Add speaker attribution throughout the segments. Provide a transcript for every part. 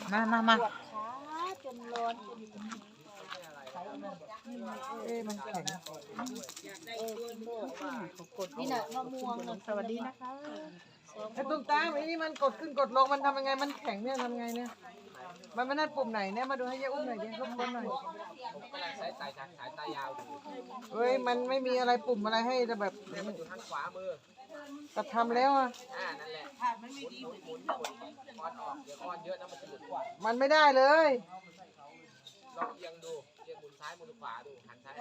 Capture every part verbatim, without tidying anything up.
Speaker 1: มามามา
Speaker 2: จนร้อนจน
Speaker 1: เอ๊ะมันแข็ง
Speaker 2: นี่น่ะมะม่วง
Speaker 1: สวัสดีนะคะ
Speaker 3: ไอ้ตุ้มตามไอ้นี่มันกดขึ้นกดลงมันทำยังไงมันแข็งเนี่ยทำไงเนี่ยมันไม่ได้ปุ่มไหนเนี่ยมาดูให้ยายอุ้มหน่อยดิรบกวนหน่อย
Speaker 4: สายสายสายตายาวดู
Speaker 3: เฮ้ยมันไม่มีอะไรปุ่มอะไรให้แต่แบบ
Speaker 4: เนี่ยมันอยู่ทางขวามือ
Speaker 3: ก็ทำแล้วอ่ะ
Speaker 4: อ่านั่นแหละมันไม่ดีหมุนหมุนคอนออกเดี๋ยวคอนเยอะนะมันจะหลุดกว่า
Speaker 3: มันไม่ได้เลย
Speaker 4: ลองเอียงดูเอียงหมุนซ้ายหมุนขวาดูหันซ้าย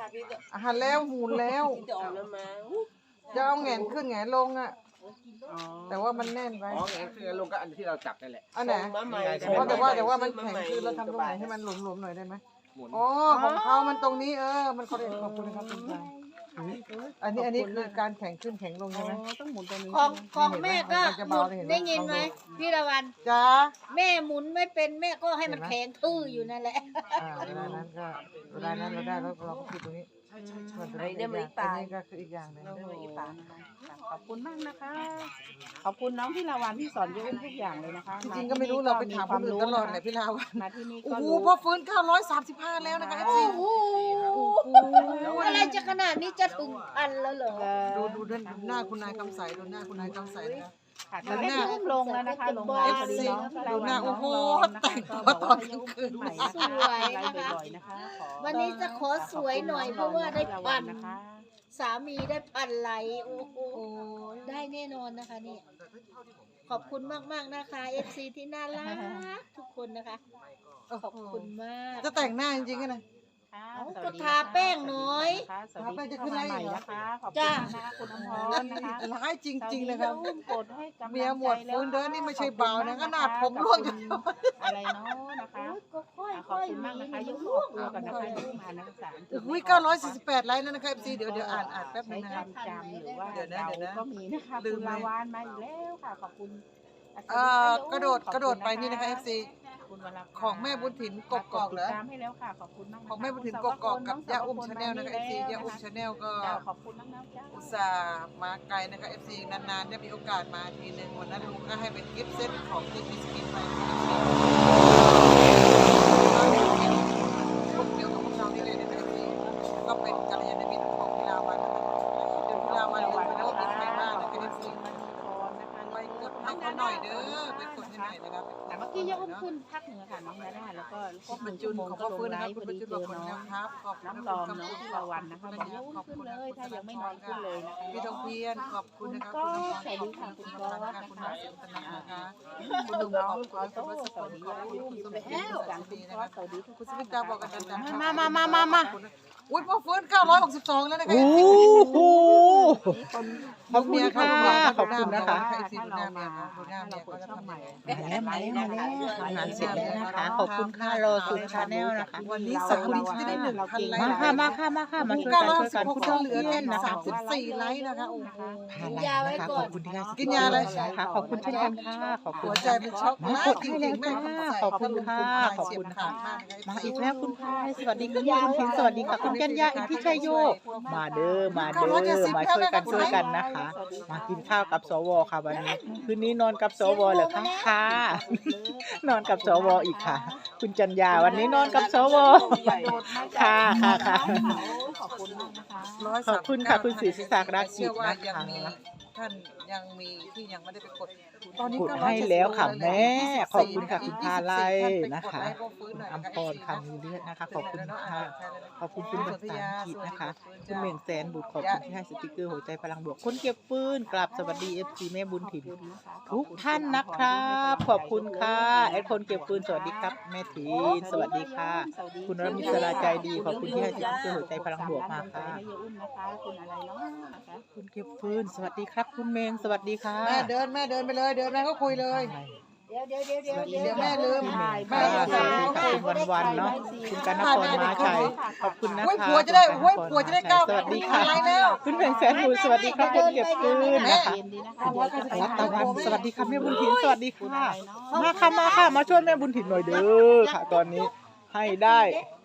Speaker 3: หันแล้วหมุนแล้วจะเอาแหงนขึ้นแหงนลงอ่ะแต่ว่ามันแน่นไป
Speaker 4: อ๋อไงคือลงก็อันที่เราจับนั่นแหละ
Speaker 3: อันไหนเพราะแต่ว่าแต่ว่ามันแข็งขึ้นแล้วทำตรงไหนให้มันหลวมๆหน่อยได้ไหมอ๋อของเขามันตรงนี้เออมันขอเด็ดขอบคุณนะครับคุณชายอันนี้อันนี้คือการแข็งขึ้นแข็งลงใช่ไหม
Speaker 1: ต้องหมุนตรงนี้
Speaker 2: ของของแม่ก็หมุนได้ยินไหมพี่ละวัน
Speaker 3: จ้า
Speaker 2: แม่หมุนไม่เป็นแม่ก็ให้มันแข็งทื่ออยู่นั่นแหละ
Speaker 3: อ่าเวลานั้นก็เวลานั้นเราได้แล้วเราก็คิดตรงนี้ส่วนตัวนี้อันนี้ก็คืออีกอย่างหนึง
Speaker 1: ขอบคุณมากนะคะ ขอบคุณน้องพี่ลาวันที่สอนเยอะทุกอย่างเลยนะคะ
Speaker 3: จริงๆก็ไม่รู้เราไปถามคนอื่นตลอดเลยพี่ลาวัน
Speaker 1: มาที่นี่
Speaker 3: โอ้
Speaker 1: ก็
Speaker 3: โห
Speaker 1: รู้
Speaker 3: พอฟื้นเก้าร้อยสามสิบห้าแล้วนะคะจริง
Speaker 2: โอ้โหอะไรจะขนาดนี้จะถึงพันแล้วเหรอ
Speaker 3: ดูดูด้านหน้าคุณนายคำใสดูหน้าคุณนายคำใสนะ
Speaker 1: ค่ะตอนนี้เริ่มลงแล้วนะคะลงไล
Speaker 3: เอ
Speaker 1: ฟ์
Speaker 3: ฟ
Speaker 1: พอดี
Speaker 3: ซี
Speaker 1: น้องพี่ลา
Speaker 3: ดู
Speaker 1: วัน
Speaker 3: หน้าโอ้โห
Speaker 1: น้
Speaker 3: แต่
Speaker 1: อง
Speaker 3: ง
Speaker 1: ล
Speaker 3: ตัวตอน
Speaker 1: ก็
Speaker 3: กลางคืน
Speaker 1: ใหม่
Speaker 3: มา
Speaker 1: นะคะไลฟ์บ่อยๆนะคะขอ
Speaker 2: วันนี้จะขอสวยหน่อยเพราะว่าได้พัน
Speaker 1: นะคะ
Speaker 2: สามีได้พันไหลโอ้โหได้แน่นอนนะคะนี่ขอบคุณมากๆนะคะ เอฟ ซี ที่น่ารักทุกคนนะคะขอบคุณมาก
Speaker 3: จะแต่งหน้าจริงๆกันนะ
Speaker 2: ก็ทาแป้งน้อย
Speaker 1: สวัสดีจะขึ้นไลฟ์นะคะขอบคุณ
Speaker 2: จ้า
Speaker 1: นะคะคุณอมรนะคะ
Speaker 3: ร้ายจริงๆนะครับ
Speaker 1: อุ้มกดให้กำลังใจ
Speaker 3: เมียหมวดฟื้นเดินนี่ไม่ใช่เบานะขนาดผมร่วงอยู่
Speaker 1: อะไรเนาะนะคะ
Speaker 2: ก็ค่อย
Speaker 1: ขอบคุณมากนะคะยุ่งออกตัวก่อนนะคะยุ่งอ่านหนังสาร
Speaker 3: อุ้ยเก้าร้อยสี่สิบแปดไลค์แล้วนะครับซีเดี๋ยวเดี๋ยวอ่านอ่านแป๊บนึ
Speaker 1: ใช้
Speaker 3: งนะครับ
Speaker 1: คำจำหรือว่า
Speaker 3: เดี๋ยวนะเดี๋ยวนะ
Speaker 1: ก็มีนะคะ
Speaker 3: ลื
Speaker 1: คุณ
Speaker 3: มเลย
Speaker 1: ลาวานมาอีกแล้วค่ะขอบคุณ
Speaker 3: เอ่อกระโดดกระโดดไปนี่นะคะ เอฟ ซี
Speaker 1: คุณวราภา
Speaker 3: ของแม่บุญถิ่นกกอกเหรอ
Speaker 1: ติดตามให้แล้วค่ะขอบคุณมากนะคะ
Speaker 3: ของแม่บุญถิ่นกกอกกับย่าอุ้มชาแนลนะคะ เอฟ ซี ย่าอุ้มชาแนลก็
Speaker 1: จ้าขอบคุณน้องๆจ้า
Speaker 3: อุตส่าห์มาไกลนะคะ เอฟ ซี นานๆได้มีโอกาสมาทีหนึ่งวันนั้นลุงก็ให้เป็นกิฟต์เซตของที่มีสกินไปพวกเดียวกับพวกเรานี่เลยนะคะ เอฟ ซี ก็เป็นกัลยาณมิตรของพิลาวันนะคะเดี๋ยวพิลาวันลืมไปแล้วว่ามีใครบ้างนะคะ เอฟ ซี ไปกดให้เขาหน่อยเด้อไปกดให้หน่อยนะครับ
Speaker 1: แต่เมื่อกี้ยกขึ้นพักเหนือค่ะน้องดาด้าแล้วก็
Speaker 3: คุณบรรจุนขอบพระคุณนะครับคุณบรรจุนขอบคุณนะครับขอบคุณ
Speaker 1: น้ำตอมน้องที่ละวันนะคะบอกยกขึ้นเลยถ้ายังไม่นอนขึ้นเลยนะคะ
Speaker 3: พี่ทองเพียรขอบคุณนะครับคุณน้องขอบคุณค่ะคุณน้องนะคะคุณน้องเสียงตนักนะคะคุณลุงขอบคุณคุณวัชพลขอบคุณคุณสมคิดสามปีนะครับคุณสมิตาบอกกันจังๆมามามามามาอุ้ยพอฟื้นเก้าร้อยหกสิบสองแล้วนะคะ
Speaker 1: โอ้โห
Speaker 3: ขอบคุณค่ะขอบคุณนะคะ
Speaker 1: ถ้า
Speaker 3: ดูหน้าเมียดูหน้าเมียเขาจะทำใหม่
Speaker 1: มาแล้วมาแล้วมาแล้วทำงานเสร็จแล้วนะคะขอบคุณค่ะรอสุดชาแนลนะคะ
Speaker 3: วันนี้สามวันจะได้หนึ่งพันไลค์
Speaker 1: มาค่ะมาค่ะมาค่ะมาช่วย
Speaker 3: เก้า
Speaker 1: กัน
Speaker 3: ร้อย
Speaker 1: ช่วย
Speaker 3: สิ
Speaker 1: กับ น
Speaker 3: หก
Speaker 1: คุณ
Speaker 3: เหลือ
Speaker 1: เพื่
Speaker 3: แค่
Speaker 1: อนนะคะ
Speaker 3: สามสิบสี่ไลค์นะคะโอ้โห
Speaker 2: กินยาไว้ก่อน
Speaker 1: ขอบคุณที่ให้
Speaker 3: กินยาอะไร
Speaker 1: ค่ะขอบคุณเช่นกันค่ะขอบคุ
Speaker 3: หั
Speaker 1: ณ
Speaker 3: วใจเป็นช็อกมากจริงๆแม่
Speaker 1: ขอบคุณค่ะขอบคุณค่ะ
Speaker 3: มาก
Speaker 1: มาอีกแล้วคุณพายสวัสดีคุณยายคุณสวัสดีค่ะคุณกัญญาอิทธิชัยโยมาเด้อมาเด้อมาช่วยกันช่วยกันนะคะ มากินข้าวกับสวค่ะวันนี้คืนนี้นอนกับสวเหรอคะค่ะนอนกับสวอีกค่ะ คุณจัญญาวันนี้นอนกับสวค่ะค่ะค่ะขอบคุณมากนะคะขอบคุณค่ะคุณศรีศักดิ์รักจิตนะคะ
Speaker 3: ท่านยังมีที่ยังไม่ได้ไปกดตอนนี้
Speaker 1: กด
Speaker 3: ก็
Speaker 1: ให้แล้วค่ะแม่ขอบคุณค่ะคุณพาไลนะคะอัมพรคำมีเลือดนะคะขอบคุณค่ะขอบคุณคุณภาษาอังกฤษนะคะคุณเม่งแสนบุตรขอบคุณที่ให้สติกเกอร์หัวใจพลังบวกคนเก็บปืนกลับสวัสดีเอฟซีแม่บุญถิ่นทุกท่านนะครับขอบคุณค่ะแอดคนเก็บปืนสวัสดีครับแม่ถีนสวัสดีค่ะคุณรมิศราใจดีขอบคุณที่ให้สติกเกอร์หัวใจพลังบวกมาค่ะคุณเก็บปืนสวัสดีครับคุณเมงสวัสดีค่ะ
Speaker 3: แม่เดินแม่เดินไปเลยเดินแม่ก็คุยเลย
Speaker 2: เดี๋ยวเดี๋ยวเดี๋ยวเดี๋ยว
Speaker 3: เดี๋ยวแม่ลืม
Speaker 1: แม่สวัสดีค่ะคุณวันวันเนาะคุณกันนครมาชัยขอบคุณนะคะ
Speaker 3: โอ้ยผัวจะได้โอ้ยผัวจะได้เก้า
Speaker 1: สวัสดีค่ะ
Speaker 3: อะไรแล้ว
Speaker 1: คุณเพ่งแสนบุญสวัสดีครับคุณเก็บปืนนะคะรัตวันสวัสดีค่ะแม่บุญถิ่นสวัสดีค่ะมาค่ะมาค่ะมาช่วยแม่บุญถิ่นหน่อยเด้อค่ะ ตอนนี้ให้ได้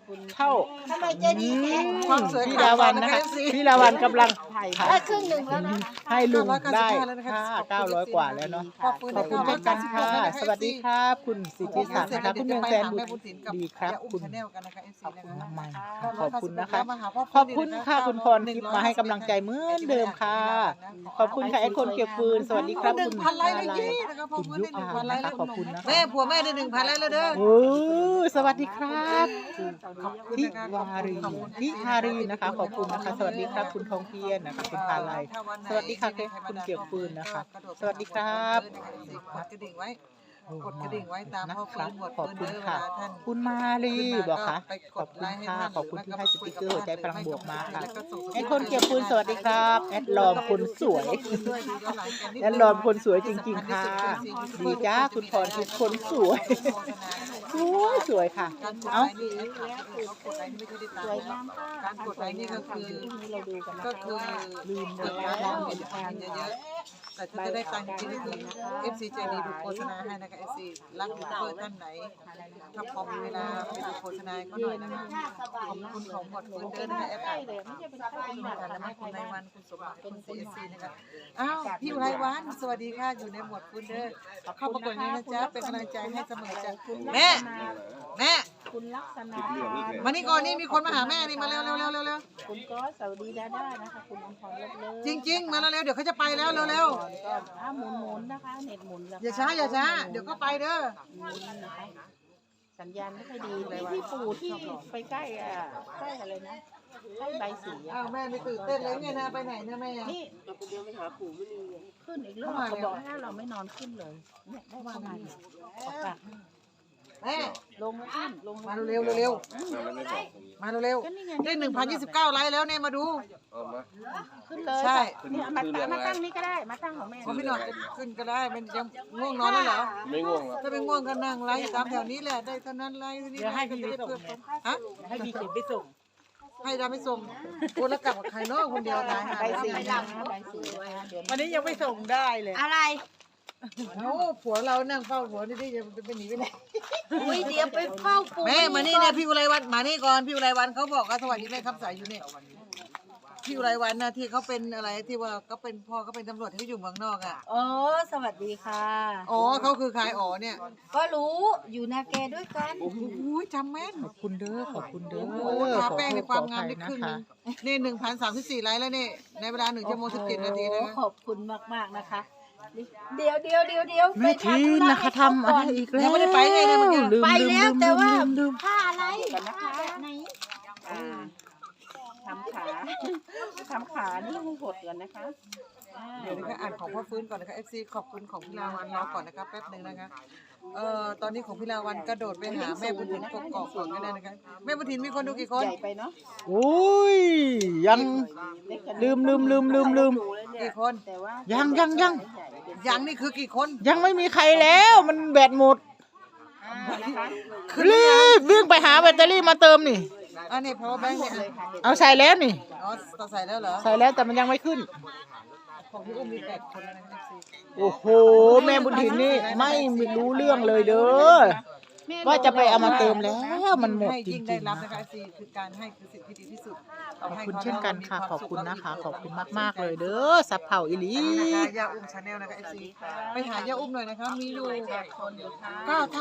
Speaker 1: เท่า
Speaker 2: ทำไมใจดีแท้
Speaker 3: ความสวย
Speaker 1: พี่ดาวันนะคะพี่ดาวันกำลัง
Speaker 2: ได้ครึ่งหนึ่งแล้วนะคะ
Speaker 1: ให้ลุงได้ค่าเก้าร้อยกว่าแล้วเนาะ
Speaker 3: ขอบคุณ
Speaker 1: ขอบคุณเช่นกันค่ะ สวัสดีครับ คุณสิทธิศักดิ์นะคะคุณเมืองแสนบุตรดีครับ
Speaker 3: คุ
Speaker 1: คุณ ณ
Speaker 3: แนลกันนะคะ เอฟ ซี
Speaker 1: ขอบ
Speaker 3: นะ
Speaker 1: คุณ
Speaker 3: คะ
Speaker 1: มากๆขอบคุณนะคะ
Speaker 3: มาหาพ่
Speaker 1: ขอบคุณค่ะคุณพรทิพย์มาให้กำลังใจเหมือนเดิมค่ะ ขอบคุณค่ะไอ้คนเก็บฟืนสวัสดีครับ
Speaker 3: หนึ่
Speaker 1: คุ
Speaker 3: ง
Speaker 1: ณ
Speaker 3: พันไลค์เลย
Speaker 1: อะไร
Speaker 3: ยี่นะคะพ่อ
Speaker 1: คุณ
Speaker 3: ฟื้น
Speaker 1: ยุ
Speaker 3: ได้หนึ่ง
Speaker 1: พา
Speaker 3: พันไล
Speaker 1: นะ
Speaker 3: ค์
Speaker 1: คะ
Speaker 3: แล้ว
Speaker 1: ขอบคุณนะคะ
Speaker 3: แม่ผัวแม่ได้หนึ่งพันไลค์แล้วเด้อ
Speaker 1: โอ้สวัสดีครับ
Speaker 3: ขอบคุณ
Speaker 1: พิ
Speaker 3: นะคะ
Speaker 1: วารีพิธารีนะคะ ขอบคุณนะคะ สวัสดีครับ คุณทองเพียรนะคะ คุณพาลัย สวัสดีค่ะคุณเกี่ยวฟืนนะคะ สวัสดีครับ
Speaker 3: กดกระดิ่งไว้ กดกระดิ่งไว้ตามพ่อฟื้นหมด
Speaker 1: ขอบ
Speaker 3: ฟื้น
Speaker 1: คุณ
Speaker 3: เด้อเว
Speaker 1: ค่ะ
Speaker 3: ลาท่าน
Speaker 1: คุณมาลีบอกค่ะ
Speaker 3: ไป
Speaker 1: ข
Speaker 3: ก
Speaker 1: อบ
Speaker 3: ด
Speaker 1: คุ
Speaker 3: ไล
Speaker 1: ณ
Speaker 3: ค์ให้
Speaker 1: ค่ะ
Speaker 3: ท่าน
Speaker 1: ขอบคุณที่ให้สติกเกอร์หัวใจพลังบวกมาค่ะ
Speaker 3: แล้วก็ส่งส
Speaker 1: ไอ้คนเก็บฟืนสวัสดีครับแอดลอมคนสวยแอดลอมคนสวยจริงๆค่ะดีจ้าคุณพรทุกคนสวยสวยสวยค่ะ
Speaker 3: การกด
Speaker 1: เอ้า
Speaker 3: ไลค์นี่เขากดไลค์นี่ไม่ค่อยได้ตังค์นะการกดไลค์นี่ก็คือก็คือลืมเลยแล้วเห็นคนเยอะๆแต่ถ้าจะได้ตังค์จริงๆคือ เอฟ ซี ใจดีดูโฆษณาให้นะคะ เอฟ ซี รักยูทูบเบอร์ท่านไหนถ้าพอมีเวลาไปดูโฆษณาให้เขาหน่อยนะคะขอบคุณของหมดคุณเดินนะคะแอปค่ะและแม่คุณนายวันคุณสมบัติคุณ ซี เอส ซี นะคะอ้าวพี่อุไรวันสวัสดีค่ะอยู่ในหมวดคุณเด้อเข้าประกวดนี้นะจ๊ะเป็นกำลังใจให้เสมอจ้ะแม่แม่
Speaker 2: คุณลักษณะ
Speaker 3: มานี่ก่อนนี่มีคนมาหาแม่นี่มาเร็วเร็วเร็วเร็วเร็ว
Speaker 2: คุณก็สวัสดีดาด้านะคะ คุณอมพรเลิศเลิศ
Speaker 3: จริง ๆ มาเร็วเร็วเดี๋ยวเขาจะไปแล้วเร็วเร็ว
Speaker 2: ก็อ่ะหมุนหมุนนะคะ เน็ตหมุนแล้ว
Speaker 3: อย่าช้าอย่าช้าเดี๋ยวก็ไปเด้อ
Speaker 2: หมุนนะคะสัญญาณไม่ค่อยดีที่ที่ปู่ที่ไปใกล้อ่ะใกล้อะไรนะใกล้ใบสีอะ
Speaker 3: อ้าวแม่ไม่ตื่นเต้นเลยไงนะไปไหนนะแม่
Speaker 2: นี่ขึ้นอีกรอบเขาบอกให้เราไม่นอนขึ้นเลยเนี่ยได้เข้ามาเนี่ยออกปาก
Speaker 3: แม่
Speaker 2: ลงมาขึ้นลง
Speaker 3: มาเร็วเร็วเร็วมาเร็ว
Speaker 2: ก็นี่ไง
Speaker 3: ได้หนึ่งพันยี่สิบเก้าไลค์แล้วเนี่ยมาดู
Speaker 2: ขึ้นเลย
Speaker 3: ใช่
Speaker 2: เนี่ยมาตั้งมาตั้งนี่ก็ได้มาตั้งของแม่
Speaker 3: พอพี่หน่อยขึ้นก็ได้มันยังง่วงนอนแล้วเหรอ
Speaker 4: ไม่ง่วงครับ
Speaker 3: ถ้าไม่ง่วงก็นั่งไลฟ์ตามแถวนี้แหละได้เท่านั้นไลฟ์เท่านี้
Speaker 1: เดี๋ยวให้
Speaker 3: ก็
Speaker 1: พี่
Speaker 3: จะ
Speaker 1: ไป
Speaker 3: ได้
Speaker 1: ส่ง
Speaker 3: เพิ่มฮะ
Speaker 1: ให้พี่เขียนไปส่ง
Speaker 3: ให้ดาไม่ส่งคนละกลับกับใครเนาะคนเดียวตายหา
Speaker 2: ใบสี
Speaker 3: ไม่
Speaker 2: นะ
Speaker 3: ได้
Speaker 2: ใบสีเดี๋ยว
Speaker 1: วันนี้ยังไม่ส่งได้เลย
Speaker 2: อะไร
Speaker 3: เอ้าผัวเรานั่งเฝ้าผัวนี่ดิจะไปหนีไปไหน
Speaker 2: อุ้ยเดี๋ยวไปเฝ้าปู่
Speaker 3: แม่มานี่เนี่ยพี่อุไรวันมานี่ก่อนพี่อุไรวันเขาบอกว่าสวัสดีแม่ครับสายอยู่เนี่ยพี่อุไรวันนะที่เขาเป็นอะไรที่ว่าเขาเป็นพ่อเขาเป็นตำรวจที่เขาอยู่เมืองนอกอ่ะ
Speaker 2: อ๋อสวัสดีค่ะ
Speaker 3: อ๋อเขาคือใครอ๋อเนี่ย
Speaker 2: ก็รู้อยู่นาแกด้วยกัน
Speaker 3: โอ้โหจำแม่น
Speaker 1: ขอบคุณเด้อขอบคุณเด้อ
Speaker 3: โอ้โหทาแป้งในความงามได้
Speaker 1: ขอ
Speaker 3: ครึ่ง
Speaker 1: โท
Speaker 3: ห
Speaker 1: ษ
Speaker 3: นึ
Speaker 1: ขออภัย
Speaker 3: งนี่หนึ่งพันสามสิบสี่ไลค์แล้วนี่ในเวลาหนึ่งชั่วโมงสิบเจ็ดนาทีนะ
Speaker 2: โอ้ขอบคุณมากมากๆนะคะ เดี๋ยวเดี๋ยวเดี๋ยวเดี๋ยว
Speaker 1: แม่ทีนนะคะทำอะไรอีกแล้ว
Speaker 3: ยังไม่ได้ไปไงเนี่ยเมื่อกี้
Speaker 1: ลืม
Speaker 2: ไป
Speaker 1: ลืม
Speaker 2: แล้ว
Speaker 1: ลืม
Speaker 2: แต่ว่า
Speaker 1: ลืมลืม
Speaker 2: ผ้าอะไรผ้าแบบไหน
Speaker 5: อ่าทำขาทำขานี่ให้หดก่อนนะคะอ่า
Speaker 3: เดี๋ยวนะคะอ่านของพ่อฟื้นก่อนนะคะ เอฟ ซี ขอบคุณของพี่ลาวันรอก่อนนะคะแป๊บหนึ่งนะคะเอ่อตอนนี้ของพี่ลาวันกระโดดไปหาแม่บุญถินกกอกก่อนก็ได้นะคะแม่บุญถินมีคนดูกี่คน
Speaker 5: ใหญ่ไปเนาะ
Speaker 1: โอ้ยยัง
Speaker 5: เล็กกัน
Speaker 1: ลืมลืมลืมลืมลืม
Speaker 3: กี่คน
Speaker 5: แต่ว่า
Speaker 1: ยั
Speaker 5: ยัง
Speaker 1: ยังยัง
Speaker 3: ยังนี่คือกี่คน
Speaker 1: ยังไม่มีใครแล้วมันแบตหมด
Speaker 5: นะคะ
Speaker 1: รีบวิ่งไปหาแบตเตอรี่มาเติมนี่
Speaker 3: อันนี้ power bank เนี่ย
Speaker 5: เลยค่ะเด็ก
Speaker 1: เอาใส่แล้วนี่
Speaker 3: อ๋อต่อใส่แล้วเหรอ
Speaker 1: ใส่แล้วแต่มันยังไม่ขึ้น
Speaker 3: ของพี่อุ้มมีแปดคนแล้วนะคะ เอฟ ซี
Speaker 1: โอ้โห แม่บุญถินนี่ไม่รู้เรื่องเลยเด้อว่าจะไปเอามาเติมแล้วมันหมด
Speaker 3: ให้
Speaker 1: จริ
Speaker 3: ยิ่
Speaker 1: ง
Speaker 3: งได้
Speaker 1: ๆ
Speaker 3: รับ
Speaker 1: นะ
Speaker 3: นะคะ คะซีคือการให้คือสิ่งที่ดีที่สุด
Speaker 1: ขอบคุณเช่นกันค่ะ ขอบคุณนะคะ ขอบคุณมากๆเลยเด้อสับเผาอิลี
Speaker 3: นะคะย่าอุ้มชาแนลนะคะเอฟซีไปหาย่าอุ้มหน่อยนะคะมีอยู่ก็